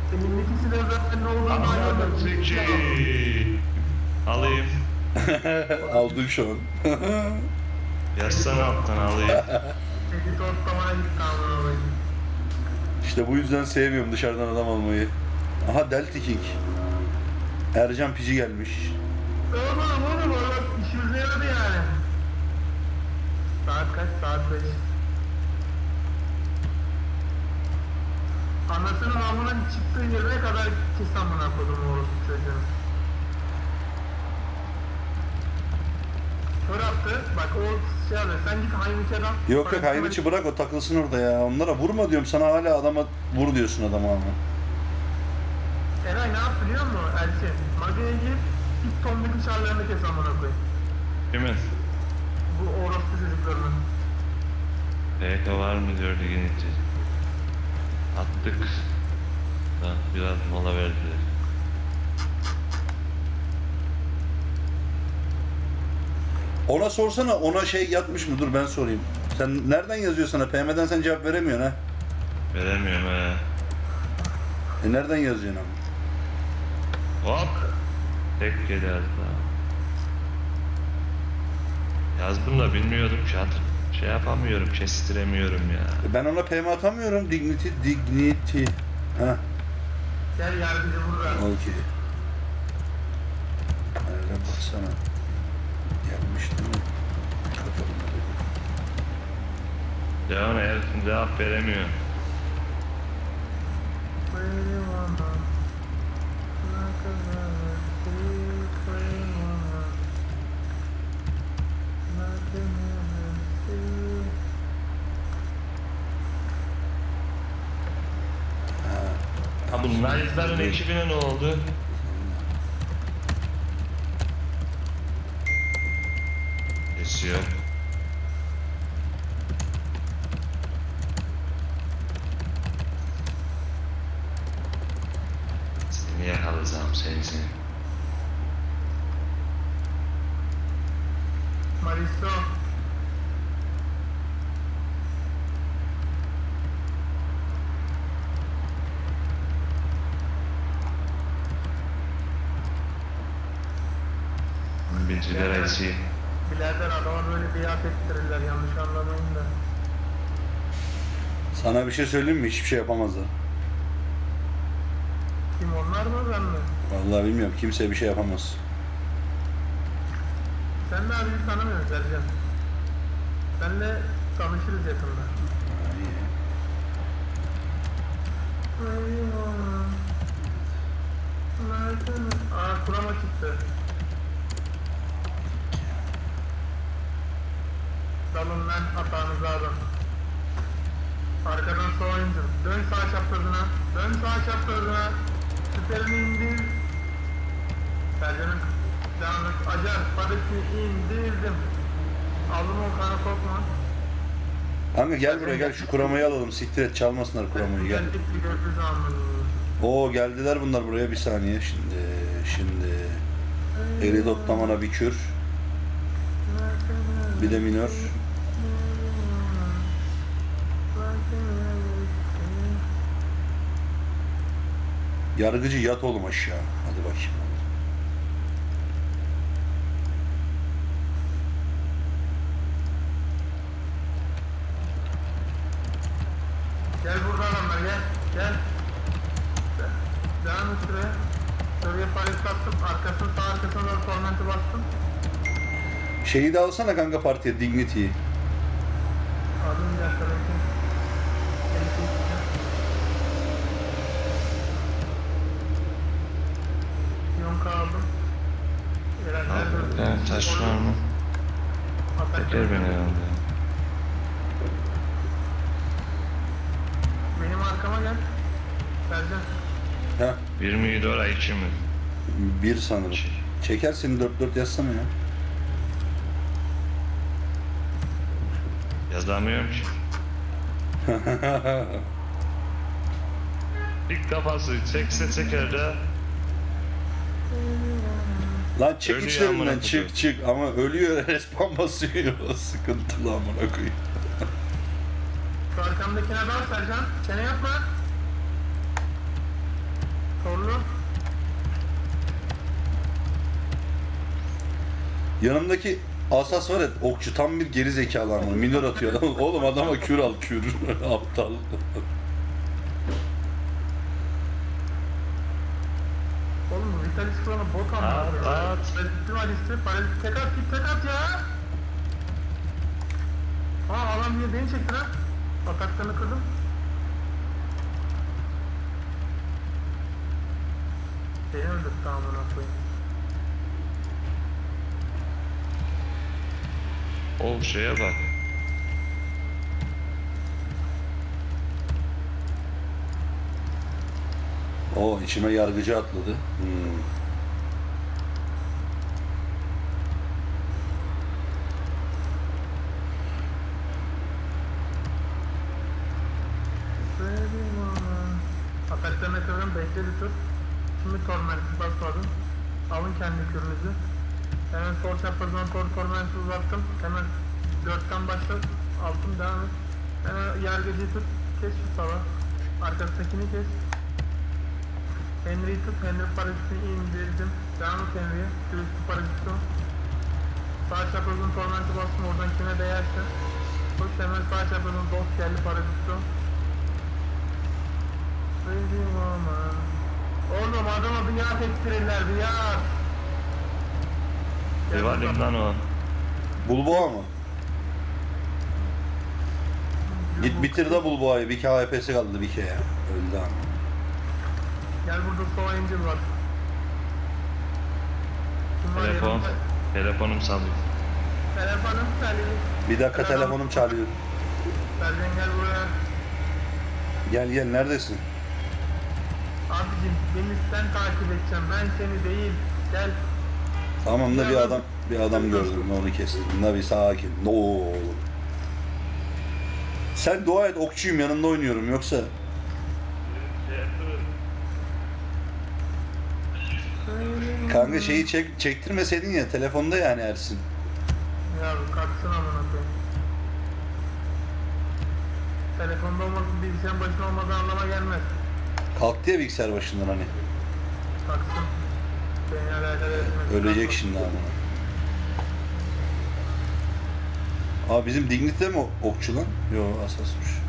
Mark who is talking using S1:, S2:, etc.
S1: Elindeki silah zaten ne olduğunu
S2: Anladım
S1: anlamadım.
S2: Zeki. Alayım.
S3: Aldın şu an.
S2: Yazsana alttan alayım.
S1: Peki tostamana gitti amına.
S3: İşte bu yüzden sevmiyorum dışarıdan adam almayı. Aha Delta King. Ercan Pici gelmiş.
S1: Oğlum bak işimize yaradı yani. Saat kaç? Saat 5. Anasının amının çıktığı yerine kadar kes amına kodum orası çocuğun. Kör attı. Bak o şey abi sen git Hayniç'e
S3: Yok Hayriç'i bırak o takılsın orada ya. Onlara vurma diyorum sana hala adama vur diyorsun adama ama.
S1: Eray ne yaptı biliyor musun Elçin? Magneye gir, ilk tombik uçarlarını kes amına koy.
S2: Kimin?
S1: Bu orospu çocuklarının.
S2: PK var mı diyor ligin içi. Attık. Da biraz mola verdiler.
S3: Ona sorsana ona şey yatmış mı? Dur ben sorayım. Sen nereden yazıyor sana? PM'den sen cevap veremiyorsun ha.
S2: Veremiyorum he.
S3: Nereden yazıyorsun ama?
S2: Hop. Tek geliyor daha. Yazdım da bilmiyordum ki şey yapamıyorum, kestiremiyorum ya.
S3: Ben ona PM atamıyorum. Dignity. Ha.
S1: Gel yardımcı burada.
S3: Okey. Nereden baksana. Gelmiş değil mi?
S2: Devam herifin cevap veremiyor. Ha bu Knight'ların ekibine ne oldu? Kesiyor. Seni yakalayacağım seni.
S1: Maristo.
S2: Bilgiler elçi.
S1: Birader adama böyle biat ettirirler yanlış anlamayın da.
S3: Sana bir şey söyleyeyim mi? Hiçbir şey yapamazlar.
S1: Kim onlar mı ben mi?
S3: Vallahi bilmiyorum. Kimse bir şey yapamaz.
S1: Sen de abi tanımıyorsun Sercan. Senle tanışırız yakında. Aa kurama çıktı. Dalın lan hatanızı alın. Arkadan sola indir. Dön sağ çaprazına. Dön sağ çaprazına. Süperini indir. Sercan'ın devam et. Acar. Padeki indirdim. Aldım o kana sokma.
S3: Kanka gel buraya gel şu kuramayı alalım. Siktir et çalmasınlar kuramayı gel.
S1: Geldik bir gördüğü zaman.
S3: Oo geldiler bunlar buraya bir saniye. Şimdi eli toplamana bir kür. Bir de minör. Yargıcı yat oğlum aşağı. Hadi bakayım.
S1: Gel burada adamlar gel. Gel. Devam et şuraya. Şuraya palet bastım. Arkasını sağ arkasına doğru tormenti bastım.
S3: Şeyi de alsana kanka partiye Dignity'yi.
S1: Aldım bir dakika bekle. Yonka aldım.
S2: Evet, taş var mı? Teker beni herhalde.
S1: Benim arkama gel. Sercan.
S3: Ha?
S2: 27 oraya 2 mi?
S3: Bir sanırım. Çekersin 4-4 yazsana ya.
S2: Yazamıyorum ki. İlk kafası çekse çeker de.
S3: Lan çık
S2: Ölüyor
S3: içlerinden
S2: amına
S3: çık çık ama ölüyor respawn basıyor. Sıkıntılı amına koyayım.
S1: Şu arkamdakine dal Sercan. Çene yapma.
S3: Yanımdaki asas var ya, okçu tam bir geri zekalı ama minör atıyor adam. Oğlum adama kür al kür. Aptal.
S1: Oğlum bu Vitalis kulağına bot
S2: At,
S1: anlatıyor.
S2: at.
S1: Parazitim Alice'i. Parazit tek at git tek at ya. Aa adam niye beni çekti lan? Ataklarını kırdım. Beni öldürdü amına koyayım.
S2: O şeye bak.
S3: O içime yargıcı atladı.
S1: Ataklarına kırdım bekledi tur. Şimdi tormentsiz basmadım. Alın kendi kürünüzü. Hemen sol çaprazdan tormentsiz uzattım. Hemen 4'ten başla. Altın devam et. Hemen yargıcıyı tut. Kes şu sava. Arkasındakini kes. Henry'yi tut. Henry parazitini indirdim. Devam et Henry'ye. Sürüstü paraziti. Sağ çaprazın tormenti bastım. Oradan kime değerse. Koş hemen sağ çaprazın dost geldi paraziti. Oğlum adama bir yağ ektirirler bir yağ.
S2: Rivalim lan o.
S3: Bulboğa mı? Git bitir de Bulboğa'yı. Bir KHP'si kaldı bir kere ya. Öldü ama.
S1: Gel burada Sova Angel var. Kim var
S2: Telefon.
S1: yanımda?
S2: Telefonum salıyor.
S1: Telefonum çalıyor.
S3: Bir dakika telefonum çalıyor.
S1: Sergen gel buraya.
S3: Gel gel neredesin?
S1: Abicim beni sen takip edeceğim ben seni değil. Gel.
S3: Tamam da bir adam gördüm onu kestim. Da bir sakin. Ne oğlum. Sen dua et okçuyum yanında oynuyorum yoksa. Kanka şeyi çektirmeseydin ya telefonda yani Ersin.
S1: Ya kalksın amına koyayım. Telefonda olmasın bilgisayarın başında olmadığı anlama gelmez.
S3: Kalktı ya bilgisayar başından hani.
S1: Kalksın. Beni alakadar etmez.
S3: Ölecek şimdi ama. Aa bizim Dignity de mi okçu lan? Yo asasmış.